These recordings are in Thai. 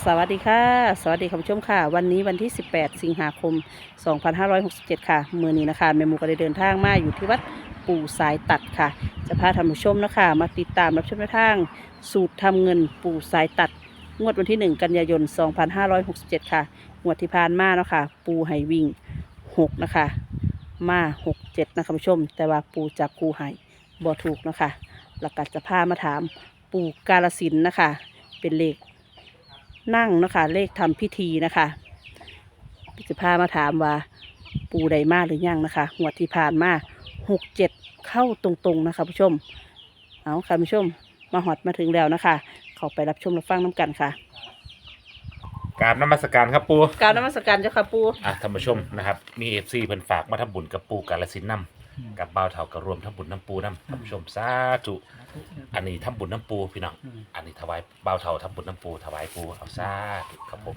สวัสดีค่ะสวัสดีคุณผู้ชมค่ะวันนี้วันที่ 18 สิงหาคม 2567 ค่ะมื้อนี้นะคะแม่หมูก็ได้เดินทางมาอยู่ที่วัดปู่สายตัดค่ะจะพาท่านผู้ชมนะคะมาติดตามรับชมแนวทางสูตรทำเงินปู่สายตัดงวดวันที่ 1 กันยายน 2567 ค่ะงวดที่ผ่านมาเนาะค่ะปู่ให้วิ่ง6นะคะมา6 7นะคะคุณผู้ชมแต่ว่าปู่จับคู่ให้บ่ถูกเนาะคะแล้วก็จะพามาถามปู่กาฬสินธุ์นะคะเป็นเลขนั่งเนาะคะเลขทำพิธีนะคะจะพามาถามว่าปูใดมาหรือยังนะคะงวดที่ผ่านมา6 7เข้าตรงๆนะคะผู้ชมเอาค่ะผู้ชมมาหอดมาถึงแล้วนะคะเขาไปรับชมรับฟังน้ำกันค่ะกราบนมัสการครับปูกรารนมัสการเจ้าค่ะปูท่านผู้ชมนะครับมีเอฟซีเพิ่นฝากมาทำบุญกับปูกาฬสินธุ์นำกับบ่าวเฒ่ากับรวมทำบุญน้ำปูน้ำท่านผู้ชมสาธุอันนี้ทำบุญน้ำปูพี่น้องอันนี้ถวายบ่าวเฒ่าทำบุญน้ำปูถวายปูเอาสาธุครับผม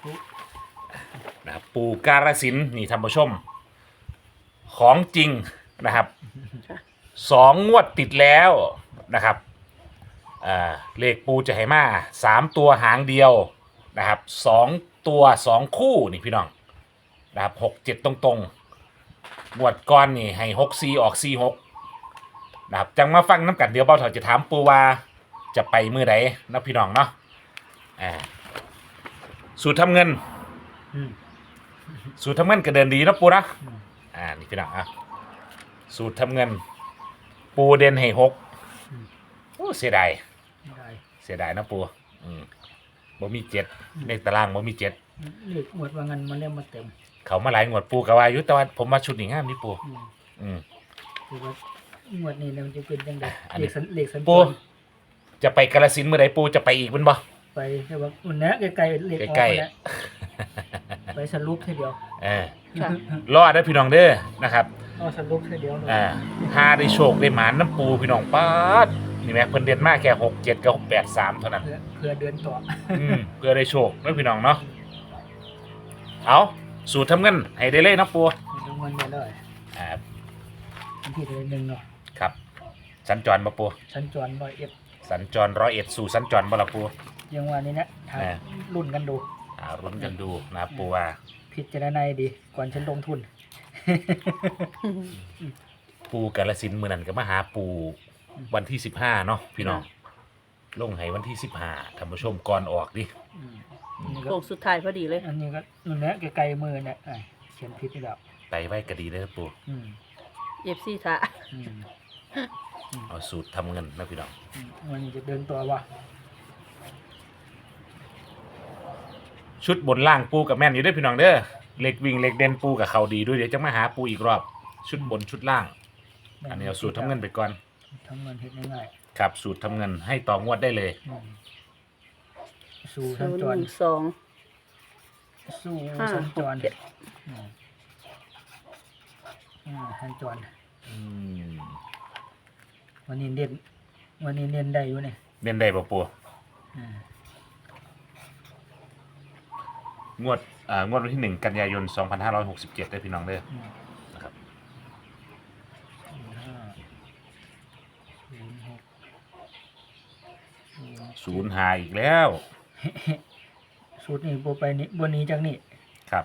นะครับปูกาฬสินธุ์นี่ท่านผู้ชมของจริงนะครับ2 งวดติดแล้วนะครับเลขปูจะให้มา3 ตัวหางเดียวนะครับ2 ตัว 2 คู่นี่พี่น้องนะครับ6 7ตรงๆงวดก้อนนี่ให้6 4ออก4 6นะครับจังมาฟังน้ำกันเดี๋ยวเบาเถาจะถามปูว่าจะไปมือใดนะพี่น้องเนาะสูตรทำเงินสูตรทำเงินก็เดินดีนะปูนะนี่พี่น้องสูตรทำเงินปูเด่นให้6โอ้เสียดายนะปูบ่มี7ในตารางบ่มี7 เลขหมวดว่างันมาเล่มมาเต็มเขามาหลายงวดปูกับว่าอยู่แต่ว่าผมมาชุดนี้งามนี่ปูคือว่าหมวดนี้เนี่ยมันจะเป็นยังไงเลขสัญจรปูจะไปกาฬสินธุ์เมื่อใดปูจะไปอีกมันบ่ไปแต่ว่าอุ่นนะใกล้ๆเลขออกไปแล้วไปสรุปทีเดียวรอดได้พี่น้องเด้อนะครับสรุปทีเดียวหาได้โชคได้หมานน้ำปูพี่น้องป๊าดนี่แม่เพิ่นเด่นมากแค่6 7กับ8 3เท่านั้นเพื่อเดินต่อเพื่อได้โชคนะพี่น้องเนาะเอาสูตรทำเงินให้ได้เลยนะปูทำเงินได้เลยที่ได้1เนาะครับสัญจรบ่ปูสัญจร101 สัญจร101สู่สัญจรบ่ล่ะปูยังว่านี่นะรุ่นกันดูรุ่นกันดูนะปูว่าพิจารณาดีก่อนฉันลงทุนปูกาฬสินธุ์มื้อนั้นก็มาหาปูวันที่15เนาะพี่น้องลงให้วันที่15ท่านผู้ชมก่อนออกดิโค้งสุดท้ายพอดีเลยอันนี้ก็นู่นแหละไกลๆมือเนี่ยเขียนผิดนี่แล้วไตไว้ก็ดีเลยปู FC ท่าเอาสูตรทำเงินนะพี่น้องวันนี้จะเดินตัววะชุดบนล่างปูกับแม่นอยู่ด้วยพี่น้องเด้อเล็กวิ่งเล็กเด่นปูกับเขาดีด้วยเดี๋ยวจะมาหาปูอีกรอบชุดบนชุดล่างอันนี้เอาสูตรทำเงินไปก่อนทำเงินเฮ็ดง่ายๆครับสูตรทำเงินให้ต่องวดได้เลยสู่สัญจรสู่สัญจรสัญจรวันนี้เน้นได้อยู่นี่เน้นได้ป่ะปูงวดวันที่1 กันยายน 2567ได้พี่น้องเด้อนะครับ05อีกแล้วสูตรนี้โบไปนี่บนนี้จากนี่ครับ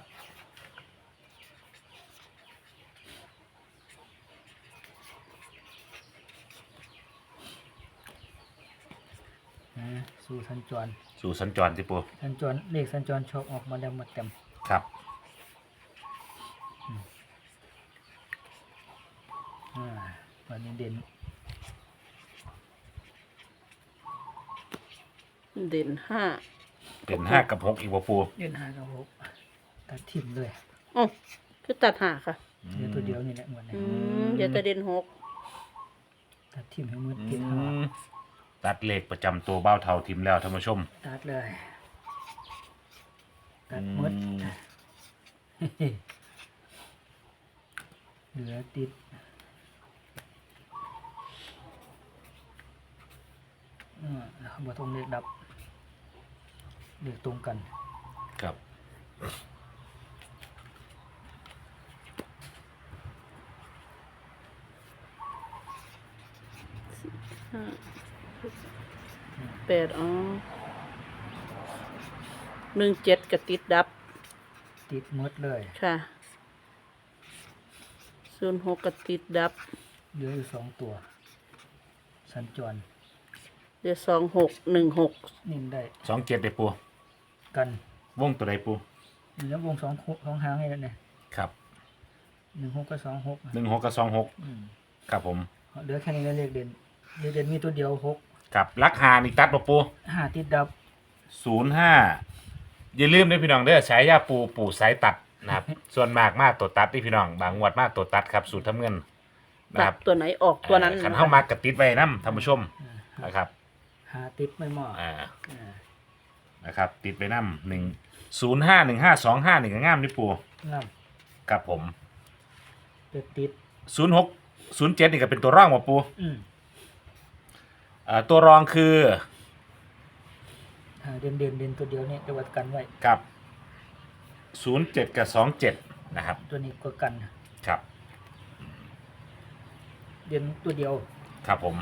สู่สัญจรที่ปูสัญจรเลขสัญจรชอบออกมาแล้วมาเต็มครับวันนี้เด่น 5 กับ6อีกบ่ปูเด่น5กับ6ตัดทิ่มเลยคือตัด5ค่ะเดี๋ยวตัวเดียวนี่แหละหมดเลยเดี๋ยวจะเด่น6 ตัดทิ่มให้มืดติดตัดเลขประจำตัวเบ้าเท่าทิมแล้วท่านผู้ชมตัดเลยตัดหมดเหลือติดบ่ต้องเลขดับเลขตรงกันครับ 8 17ก็ติดดับติดหมดเลยค่ะ06ก็ติดดับเหลืออยู่2ตัวสัญจรเดี๋ยว2616 นิ่มได้ 27ได้ปูกันวงตัวใดปูเหลือวง2หางให้แล้วเนี่ยครับ 16กับ26 16กับ26ครับผมเหลือแค่นี้แล้วเลขเด่นมีตัวเดียว6 ครับลักหานี่ตัดบ่ปู 5ติดดับ 05อย่าลืมนะพี่น้องเด้อฉายาปูสายตัดนะครับ ส่วนมากมาตัวตัดที่พี่น้องบางงวดมาตัวตัดครับสูตรทำเงินนะตัคดรับตัวไหนออกตัวนั้นขันเข้ามากระติดไว้น้ำท่านผู้ชมนะครับ 5ติดไม่เหมาะอ่านะครับติดไปน้ำ1051525นี่ก็งามนี่ปูน้ครับผมำติด 0607นี่ก็เป็นตัวร่องมาปูอืมตัวรองคือเด่นตัวเดียวเนี่ยจะวัดกันไว้กับ07กับ27นะครับตัวนี้ก็กันครับเด่นตัวเดียวครับผม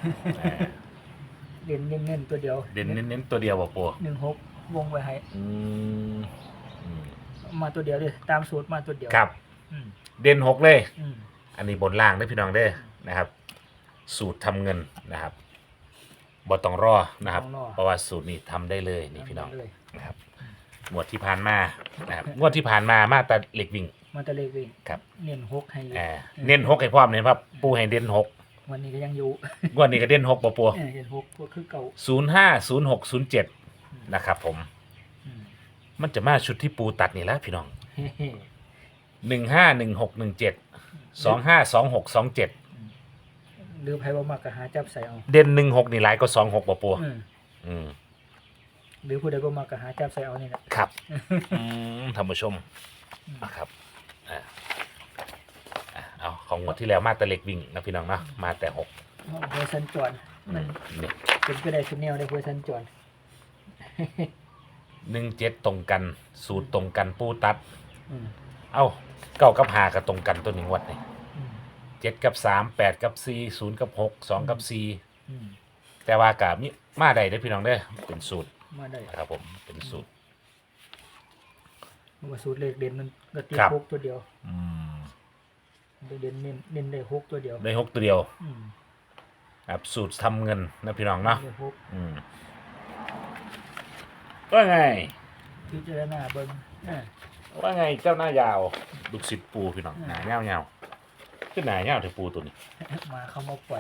เด่นเน้นตัวเดียวเด่นเน้นตัวเดียวบ่ปู 16วงไว้ให้อืมอืมมาตัวเดียวเลยตามสูตรมาตัวเดียวครับอืมเด่น6เลยอืมอันนี้บนล่างได้อพี่น้องเด้อนะครับ สูตรทำเงินนะครับบ่ต้องรอนะครับ เพราะว่าสูตรนี้ทำได้เลยนี่พี่น้องเลยนะครับงวดที่ผ่านมานะครับงวดที่ผ่านมามาแต่เหล็กวิ่งมาตะเลขวิ่งครับเน้น6ให้อยู่เน้น6ให้พร้อมเนี่ยครับปูให้เด่น6 วันนี้ก็ยังอยู่งวดนี้ก็เด่น6บ่ปูเด่น6ก็คือเก่า 050607นะครับผมอืมมันจะมาชุดที่ปูตัดนี่แหละพี่น้องเฮ้ 151617 หรือไพ่บ่มักก็หาจับใส่เอาเด่น16นี่หลายก็26บ่ปูอืมอืมหรือผู้ใดบ่มักก็หาจับใส่เอานี่แหละครับท่านผู้ชมนะครับเอาของงวดที่แล้วมาแต่เหล็กวิ่งนะพี่น้องเนาะมาแต่6 เพื่อสัญจรมันนี่เป็นก็ได้ชุดแนวได้เพื่อสัญจร 17ตรงกันสูตรตรงกันปูตัดอืมเอ้า9กับ5ก็ตรงกันตัวหนึ่งวัดนี่อืม 7กับ3 8กับ4 0กับ6 2กับอืม 4แต่ว่ากับมีมาได้เด้อพี่น้องเด้อเป็นสูตรมาได้นะครับผมเป็นสูตรเพราะว่าสูตรเลขเด่นมันก็ตีครับ 6ตัวเดียวอืมเด่นเน้นได้6ตัวเดียวได้6ตัวเดียวอืมครับสูตรทำเงินนะพี่น้องเนาะได้6 อืมว่าไงพิจารณาเบิ่งอ่าว่าไงเจ้าหน้ายาวลูกศิษย์ปูพี่น้องหนาเงาเงาขึ้นหนาเงาถึงปูตัวนี้มาเข้ามาปล่อย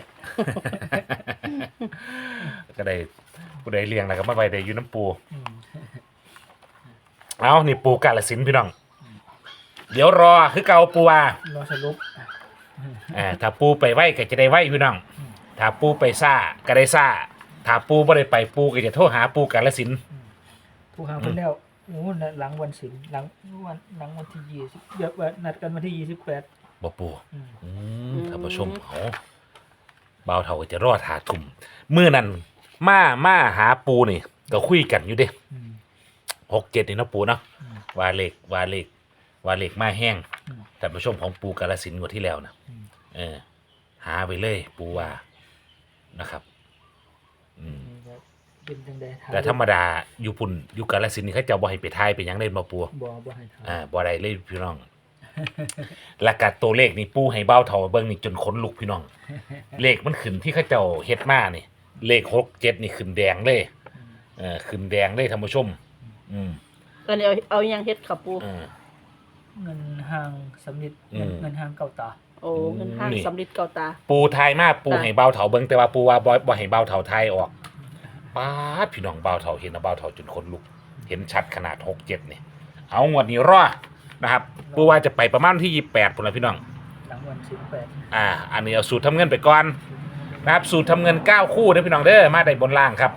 ก็ได้ปูได้เลี้ยงแล้วก็มาไว้ได้อยู่น้ำปูอืมเอานี่ปูกาลสินธุ์พี่น้อง เดี๋ยวรอคือเกาปูว่ารอสรุปถ้าปูไปไหวก็จะได้ไหวพี่น้อง ถ้าปูไปซ่าก็ได้ซ่า ถ้าปูไม่ได้ไปปูก็จะโทรหาปูกาลสินธุ์ผู้หางเพิ่นแล้วโอ้หลังวันศิลป์หลังวันที่20เดี๋ยวว่านัดกันวันที่28 บ่ปูอืมท่านผู้ชมเขาเบาวเท่าก็จะรอดหาทุ่มมื้อนั้นมาหาปูนี่ก็คุยกันอยู่เด้อืม 67นี่เนาะปูเนาะอืมว่าเลขมาแห้งอืมท่านผู้ชมของปูกาลสินธุ์งวดที่แล้วนะอืมหาไปเลยปูว่านะครับนี่ก็เป็นจังได๋แต่ธรรมดาอยู่ปุ่นอยู่กาลสินธุ์นี่เขาเจะบ่ให้ไปทายไปหยังเล่นมาปูบ่ให้ถามบ่ได้เลยพี่น้อง หลักการตัวเลขนี่ปูให้เบ้าเท่าเบิ่งนี่จนขนลุกพี่น้อง เลขมันขึ้นที่เขาเจ้าเฮ็ดมานี่ เลข67นี่ขึ้นแดงเลยขึ้นแดงเลยท่านผู้ชม อืมอันนี้เอายังเฮ็ดค่ะปูอืมเงินห้างสำลิดอืมเงินห้างเก่าตาโอ้เงินห้างนี่สำลิดเก่าตาปูทายมาปูให้เบ้าเท่าเบิ่งแต่ว่าปูว่าบ่ให้เบ้าเท่าทายออกป๊าดพี่น้องเบ้าเท่าเห็นนะเบ้าเท่าจนขนลุก เห็นชัดขนาด67นี่ เอางวดนี้รอนะครับ ปูว่าจะไปประมาณที่28พุ่นล่ะพี่น้องหลังวัน18 อันนี้เอาสูตรทำเงินไปก่อนนะครับสูตรทำเงิน9คู่นะพี่น้องเด้อมาได้บนล่างครับ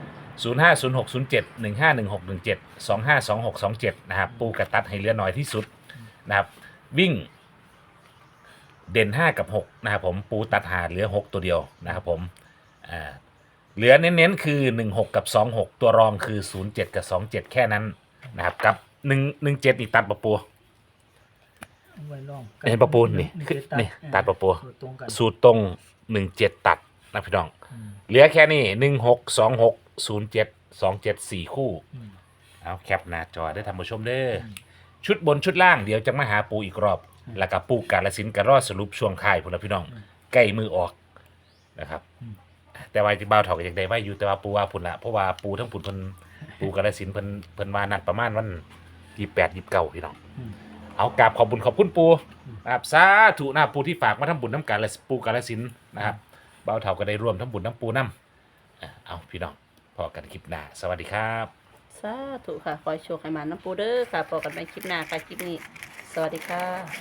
050607 151617 252627นะครับปูกระตัดให้เหลือน้อยที่สุดนะครับวิ่งเด่น5กับ6นะครับผมปูตัดหาเหลือ6ตัวเดียวนะครับผมเหลือเน้นๆคือ16กับ26ตัวรองคือ07กับ27แค่นั้นนะครับกับ117นี่ตัดปะปูไว้ลองเห็นปะปูนี่นี่ตัดปะปูตรงกันสูตรตรง17ตัดนะพี่น้องอืมเหลือแค่นี้16 26 07 27 4คู่อืมเอาแคปหน้าจอได้ท่านผู้ชมเด้อชุดบนชุดล่างเดี๋ยวจะมาหาปูอีกรอบ แล้วก็ปูกาลสินธุ์ก็รอสรุปช่วงท้ายพุ่นละพี่น้องใกล้มือออกนะครับ แต่ว่าที่บ่าวเฒ่าก็ยังได้ไว้อยู่แต่ว่าปูว่าพุ่นละเพราะว่าปูทั้งพุ่นเพิ่นปูกาลสินธุ์เพิ่นว่านัดประมาณวัน28 29พี่น้อง เอากราบขอบคุณปูนะครับสาธุนะครับปูที่ฝากมาทำบุญน้ำการและปูกาลสินธุ์นะครับบ่าวเฒ่าก็ได้ร่วมทำบุญน้ำปูน้ำเอาพี่น้องพอกันคลิปหน้าสวัสดีครับสาธุค่ะ ขอให้โชคให้มาน้ำปูเด้อค่ะพบกันใหม่คลิปหน้าค่ะ คลิปนี้ สวัสดีค่ะ